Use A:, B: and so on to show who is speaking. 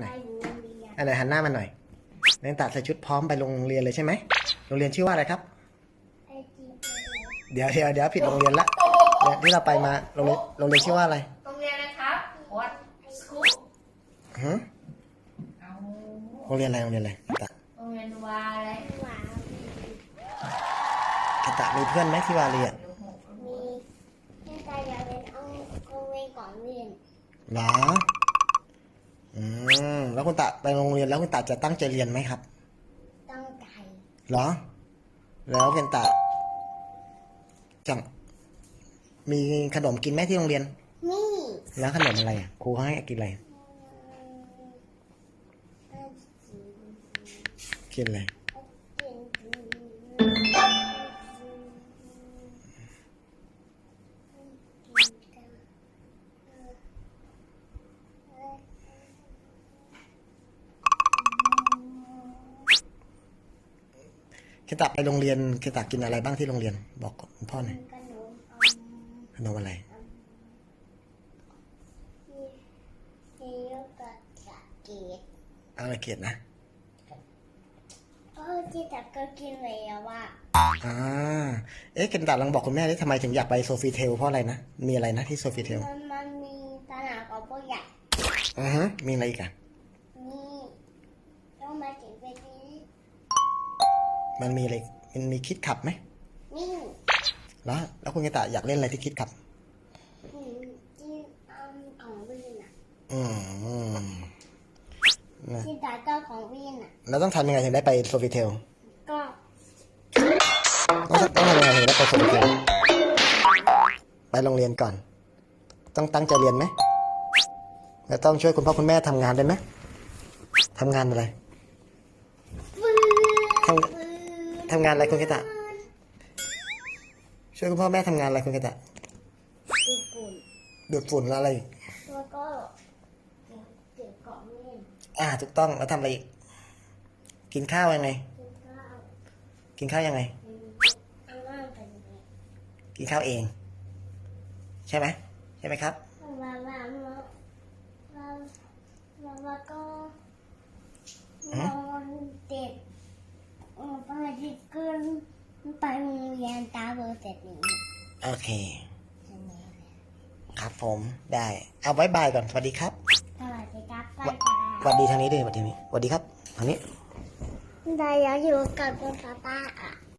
A: อะไรหันหน้ามาหน่อยนักตาใส่ชุดพร้อมไปโรงเรียนเลยใช่ไหมโรงเรียนชื่อว่าอะไรครับเดี๋ยวผิดโรงเรียนละที่เราไปมาโรงเรียนชื่อว่าอะไร
B: โรงเรียนอะไรครับ What school
A: โรงเรียนอะไรโรงเรียนอะไรตะ
B: โรงเรียนวาอะไร
A: ตะมีเพื่อนไหมที่วาเรียน
C: มีแค่แต่อยากเรียนเอาโรงเรียนก่อนเรียน
A: หรอแล้วคุณตะไปโรงเรียนแล้วคุณตะจะตั้งใจเรียนไหมครับ
C: ตั้งใจ
A: หรอแล้วคุณตะจังมีขนมกินไหมที่โรงเรียน
C: นี่
A: แล้วขนมอะไรอ่ะครูเขาให้กินอะไรกินอะไรคิตะไปโรงเรียนคิตะกินอะไรบ้างที่โรงเรียนบอกคุณพ่อหน่อยขนมอะไรอะไรเกียรตินะ
C: ที่ตักก็กินแล้วว่า
A: คิตะลองบอกคุณแม่ได้ทำไมถึงอยากไปโซฟีเทลเพราะอะไรนะมีอะไรนะที่โซฟีเทล
C: มันมีสนามกอล์ฟใหญ่
A: มีอะไรอีกอ่ะ
C: นี่ต้องมาถึงไปนี้
A: มันมีอะไรมันมีคิดขับไหม
C: นี่
A: แล้วคุณกิตะอยากเล่นอะไรที่คิดขับ
C: ที่ของวินที่ตาเจ้าของวิน
A: แล้วต้องทำยังไงถึงได้ไปโซฟิเทล
C: ก็
A: ต้องทำยังไงถึงได้ไปโซฟิเทลไปโรงเรียนก่อนต้องตั้งใจเรียนไหมแล้วต้องช่วยคุณพ่อคุณแม่ทำงานได้ไหมทำงานอะไรทำงานอะไรคุณกิตะช่วยคุณพ่อแม่ทำงานอะไรคุณกิตะดูดฝุ่นแล้วอะไร
C: แล้วก็เก็บของเล่น
A: ถูกต้องแล้วทำอะไรอีกกินข้าวยังไงกินข้าวยังไงกินข้าวเองใช่ไหมครับ
C: แล้วก็นอนเด็กไปที่ขึ้นไปโรงเรียนตาเบอร์เสร็จนี้
A: โอเคครับผมได้เอาบ๊ายบายก่อนสวัสดีครับ
C: สวัสดีครับ
A: สวัสดีทางนี้ด้วยสวัสดีครับทางนี้
C: ได้แล้วอยู่กับคุณป้า